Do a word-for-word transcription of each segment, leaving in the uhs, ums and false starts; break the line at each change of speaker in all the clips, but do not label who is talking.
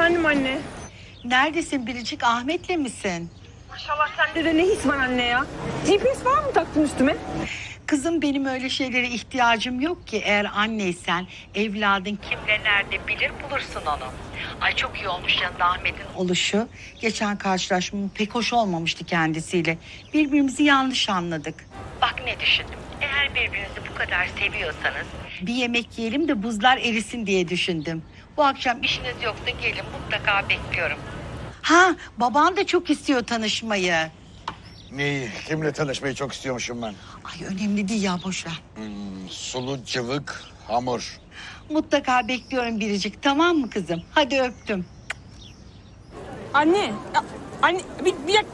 Efendim anne.
Neredesin Biricik? Ahmet'le misin?
Maşallah sende de ne his var anne ya. G P S falan mı taktın üstüme?
Kızım benim öyle şeylere ihtiyacım yok ki. Eğer anneysen evladın kimle nerede bilir bulursun onu. Ay çok iyi olmuş yanında Ahmet'in oluşu. Geçen karşılaşmam pek hoş olmamıştı kendisiyle. Birbirimizi yanlış anladık. Bak ne düşündüm. Eğer birbirinizi bu kadar seviyorsanız bir yemek yiyelim de buzlar erisin diye düşündüm. Bu akşam işiniz yoksa gelin, mutlaka bekliyorum. Ha, baban da çok istiyor tanışmayı.
Neyi? Kimle tanışmayı çok istiyormuşum ben?
Ay önemli değil ya, boş ver.
Hmm, sulu cıvık hamur.
Mutlaka bekliyorum Biricik, tamam mı kızım? Hadi öptüm.
Anne. Ya, anne bir, bir dak-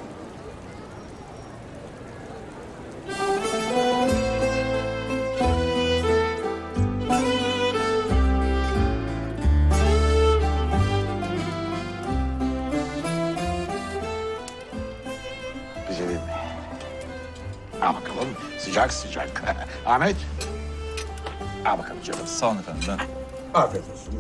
Güzelim. Al bakalım. Sıcak sıcak. Ahmet. Al bakalım canım.
Sağ olun efendim. Ben...
Afiyet olsun.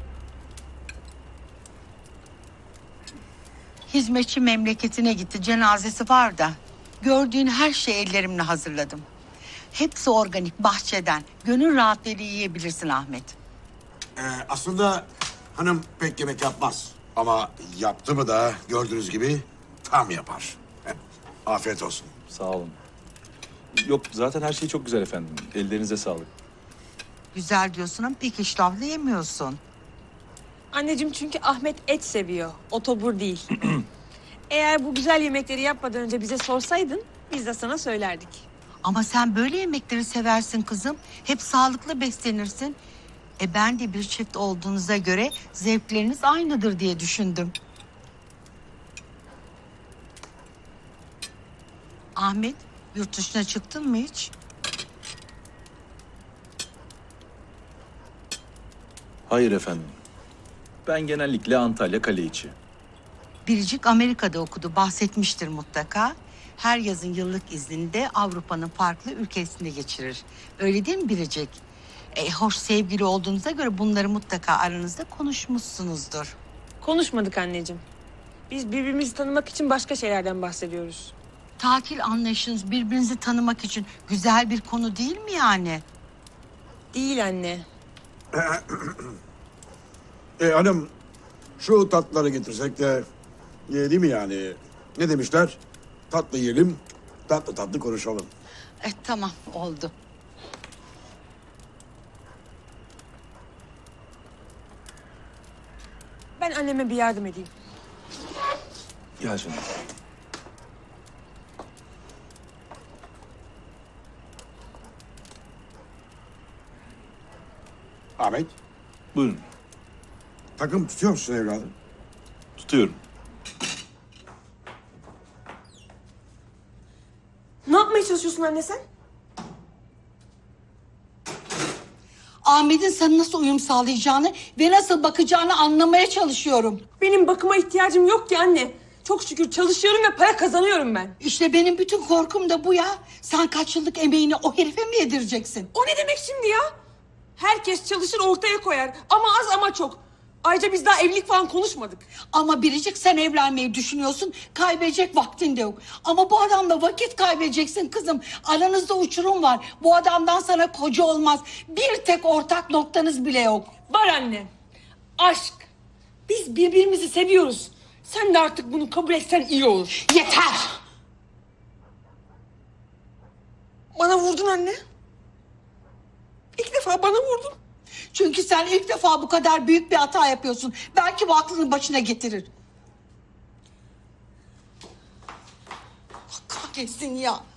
Hizmetçi memleketine gitti, cenazesi var da. Gördüğün her şeyi ellerimle hazırladım. Hepsi organik, bahçeden. Gönül rahatlığıyla yiyebilirsin Ahmet.
Ee, aslında hanım pek yemek yapmaz. Ama yaptı mı da gördüğünüz gibi tam yapar. Afiyet olsun.
Sağ olun. Yok zaten her şey çok güzel efendim. Ellerinize sağlık.
Güzel diyorsun ama pek iştahlı yemiyorsun.
Anneciğim çünkü Ahmet et seviyor. Otobur değil. Eğer bu güzel yemekleri yapmadan önce bize sorsaydın biz de sana söylerdik.
Ama sen böyle yemekleri seversin kızım. Hep sağlıklı beslenirsin. E ben de bir çift olduğunuza göre zevkleriniz aynıdır diye düşündüm. Ahmet, yurt dışına çıktın mı hiç?
Hayır efendim. Ben genellikle Antalya kale içi.
Biricik Amerika'da okudu, bahsetmiştir mutlaka. Her yazın yıllık iznini de Avrupa'nın farklı ülkesinde geçirir. Öyle değil mi Biricik? E, hoş sevgili olduğunuza göre bunları mutlaka aranızda konuşmuşsunuzdur.
Konuşmadık anneciğim. Biz birbirimizi tanımak için başka şeylerden bahsediyoruz.
Tatil anlayışınız birbirinizi tanımak için güzel bir konu değil mi yani?
Değil anne.
E, hanım şu tatlıları getirsek de e, değil mi yani? Ne demişler? Tatlı yiyelim, tatlı tatlı konuşalım.
E, tamam, oldu.
Ben anneme bir yardım edeyim.
Gel canım.
Ahmet,
Buyurun.
takım tutuyor musun evladım?
Tutuyorum.
Ne yapmaya çalışıyorsun anne sen?
Ahmet'in sana nasıl uyum sağlayacağını ve nasıl bakacağını anlamaya çalışıyorum.
Benim bakıma ihtiyacım yok ki anne. Çok şükür çalışıyorum ve para kazanıyorum ben.
İşte benim bütün korkum da bu ya. Sen kaç yıllık emeğini o herife mi yedireceksin?
O ne demek şimdi ya? Herkes çalışır ortaya koyar. Ama az ama çok. Ayrıca biz daha evlilik falan konuşmadık.
Ama Biricik, sen evlenmeyi düşünüyorsun. Kaybedecek vaktin de yok. Ama bu adamla vakit kaybedeceksin kızım. Aranızda uçurum var. Bu adamdan sana koca olmaz. Bir tek ortak noktanız bile yok.
Var anne. Aşk. Biz birbirimizi seviyoruz. Sen de artık bunu kabul etsen iyi olur.
Yeter!
Bana vurdun anne. İlk defa bana vurdun.
Çünkü sen ilk defa bu kadar büyük bir hata yapıyorsun. Belki bu aklını başına getirir. Allah kahretsin ya.